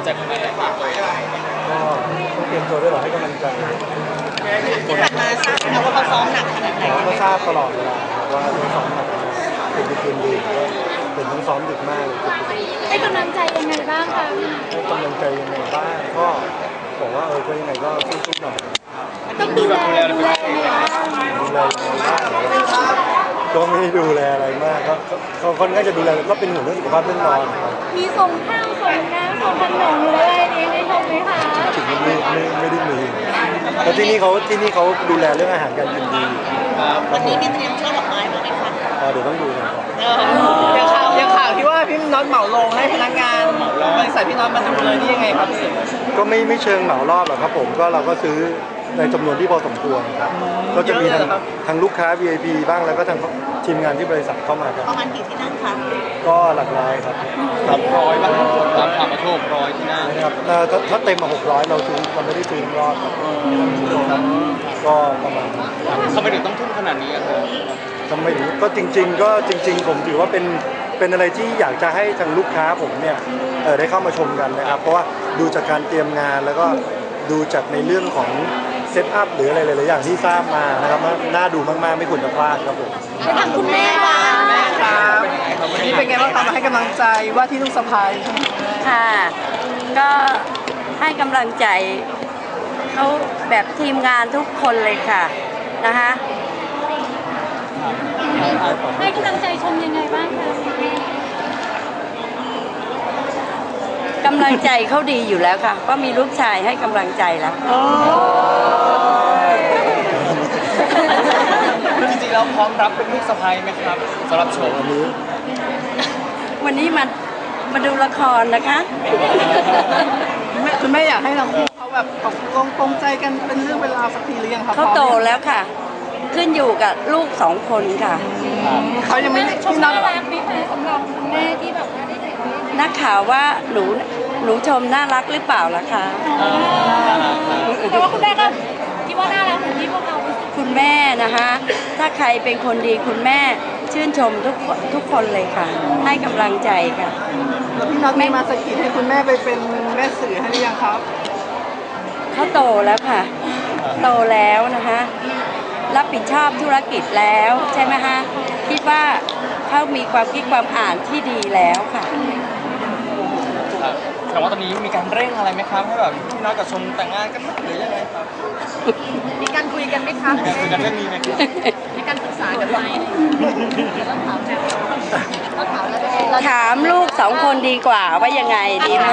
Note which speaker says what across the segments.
Speaker 1: ใจคนไหนได้ฝากไว้
Speaker 2: ก็ต้องเตรียมตัวด้วยหรอให้กำลังใจ
Speaker 3: ที่ผ่านมาทราบนะว่าเขาซ้อมหนักขนาดไหน
Speaker 2: ก็ทราบตลอดเวลาว่าต้องซ้อมหนักเป็นคืนดีเป็นต้องซ้อมดึกมากเลย
Speaker 4: ให้กำลังใจยังไงบ้างคะ
Speaker 2: ให้กำลังใจยังไงบ้างก็บอกว่าก็ยังไงก็สู้ๆหน่อย
Speaker 4: ต้องดูแลยังไงบ้าง
Speaker 2: ดูแลก็ไม่ได้ดูแลอะไรมากก็คนก็จะดูแลก็เป็นห่วงเรื่องสุขภาพเรื่องนอน
Speaker 4: มีส่งข้าวส่งน้ำส่งขนมหรืออะไรนี้ให้ชมไหมคะ
Speaker 2: ถึงไม่ได้มีแล้วที่นี่เขาดูแลเรื่องอาหารการกินดี
Speaker 3: วันนี้มีเตรียมช่อดอกไม้มาไหมคะ
Speaker 2: เดี๋ยวต้องดูกันก่อน
Speaker 1: อย่างข่าวที่ว่าพี่น็อตเหมาลงให้พนักงานบริษัทพี่น็อตมาดูเลยนี่ยังไงครับ
Speaker 2: ก็ไม่เชิงเหมารอบหรอกครับผมก็เราก็ซื้อในจำนวนที่พอสมควรครับก็จะมีทางลูกค้า VIP บ้างแล้วก็ทางทีมงานที่บริษัทเข้ามาครับ
Speaker 3: ประมาณกี่ที่นั่งคะ
Speaker 2: ก็หลักร้อยครับ
Speaker 1: 100บ้างตามข่าวมาโชค100ที่นั่ง
Speaker 2: นะครับถ้าเต็มมา600เราไม่ได้ซื้อรอบครับก็ประมาณ
Speaker 1: ทำไมถึงต้องทุ่มขนาดนี้ครับ
Speaker 2: ทำไมถึงก็จริงผมถือว่าเป็นอะไรที่อยากจะให้ทางลูกค้าผมเนี่ยได้เข้ามาชมกันนะครับเพราะว่าดูจากการเตรียมงานแล้วก็ดูจากในเรื่องของเซตอัพหรืออะไรหลายๆอย่างที่ทราบมานะครับน่าดูมากๆไม่ควรจะพลาดครับผม
Speaker 4: ไปทางคุณแม่บ้าง
Speaker 1: ครับวันนี้เป็นไงบ้างคะมาให้กำลังใจว่าที่ลูกสะใภ้
Speaker 5: ค่ะก็ให้กำลังใจเขาแบบทีมงานทุกคนเลยค่ะนะคะ
Speaker 4: ให้กำลังใจชมยังไงบ้างคะ
Speaker 5: กำลังใจเขาดีอยู่แล้วค่ะก็มีลูกชายให้กำลังใจแล้ว
Speaker 1: จริงๆแล้วพร้อมรับเป็นลูกสะใภ้ไหมครับสำหรับโชว์
Speaker 5: วันนี้มาดูละครนะคะ
Speaker 1: คุณแม่อยากให้ทั้งคู่เขาแบบตกลงปรงใจกันเป็นเรื่องเวลาสักทีหรือยังครับ
Speaker 5: เขาโตแล้วค่ะขึ้นอยู่กับลูก2 คนค่ะ
Speaker 1: เขายังไม่
Speaker 4: ชมน่ารักไหมคะสำหรับคุณแม่ที่แบบว่าได้เห็น
Speaker 5: นักข่าวว่าหนูชมน่ารักหรือเปล่าล่ะคะ
Speaker 4: แต่ว่าคุณแม่ก็คิดว่าน่ารักเหมือนที่พวกเรา
Speaker 5: คุณแม่นะคะถ้าใครเป็นคนดีคุณแม่ชื่นชมทุกคนเลยค่ะให้กำลังใจค่ะ
Speaker 1: แล้วพี่น็อตไม่มาสกิดให้คุณแม่ไปเป็นแม่สื่อให้หรือยังครับ
Speaker 5: เขาโตแล้วค่ะโตแล้วนะคะรับผิดชอบธุรกิจแล้วใช่ไหมคะคิดว่าเขามีความคิดความอ่านที่ดีแล้วค่ะ
Speaker 1: แต่ว่าตอนนี้มีการเร่งอะไรไหมครับให้แบบพี่น้อยกับชมแต่งงานกันหรือยังไงครับ
Speaker 4: มีการคุยกันไหมคะ
Speaker 1: คุยกันเรื่องนี้ไหมครับ
Speaker 4: มีการปรึกษากันไหม
Speaker 5: ถามลูก2 คนดีกว่าว่ายังไงดีไหม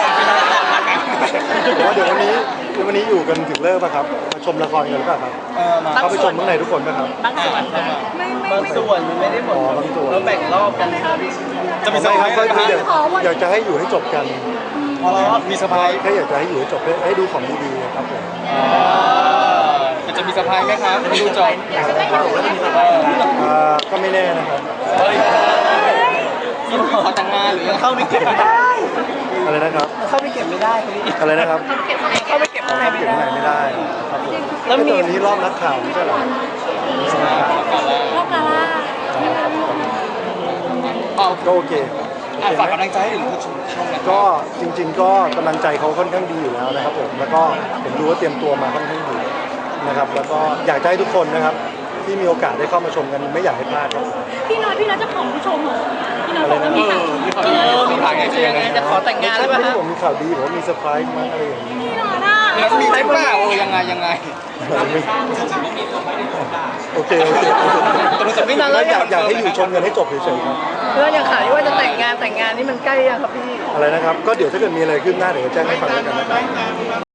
Speaker 2: เดี๋ยววันนี้อยู่กันถึงเลิกป่ะครับมาชมละครกันหรือเปล่าครับเขาไปชมข้างในทุกคนป่ะครับ
Speaker 1: บางส่วนไม่ได้หมด
Speaker 2: บางส่วน
Speaker 1: แล้วแบ่งรอบกัน
Speaker 2: จะมีสไพรส์ก็อยากจะให้อยู่ให้จบกัน
Speaker 1: มีสไพรส์
Speaker 2: แค่อยากจะให้อยู่ให้จบให้ดูของดีๆครับผม
Speaker 1: จะมีสไพรส์ไหมครับดูจบ
Speaker 2: ก็ไม่แน่นะครับ
Speaker 1: ขอแต่งงานหรือเข้าไม่เก็บไม่ได้
Speaker 2: อะไรนะครับ
Speaker 1: เข้าไม่เก็บไม่ได้
Speaker 2: อะไรนะครับ
Speaker 1: เข้าไม่เก็บข้างใน
Speaker 2: ไม่ได้ครับผมแล้วมีนี้รอบนักข่าวไม่ใช่หรอ
Speaker 4: รอบกาล่า
Speaker 2: ก็โอเค
Speaker 1: ฝากกำลังใจให้ถึงผู้ชม
Speaker 2: ก็จริงๆก็กำลังใจเขาค่อนข้างดีอยู่แล้วนะครับผมแล้วก็ผมดูว่าเตรียมตัวมาค่อนข้างดีนะครับแล้วก็อยากให้ทุกคนนะครับที่มีโอกาสได้เข้ามาชมกันไม่อยากให้พลาดครับ
Speaker 4: พี่น้อยจะขอผู้ชมเหรอพี่น้อยบอกว่ามี
Speaker 1: ข่าวจะขอแต่งงานหรือเปล่า
Speaker 2: ผมมีข่าวดีผมมีเซอร์ไพรส์มั้งอะไรอย่างนี้
Speaker 1: มีไหมเปล่ายังไง
Speaker 2: โอเคแล้วอยากให้อยู่ชมกันให้จบเฉยๆครับ
Speaker 1: เพื่อนอย่างข่าวที่ว่าจะแต่งงานนี่มันใกล้ยังครับพี่
Speaker 2: อะไรนะครับก็เดี๋ยวถ้าเกิดมีอะไรขึ้นหน้าเดี๋ยวแจ้งให้ฟังกันนะครับ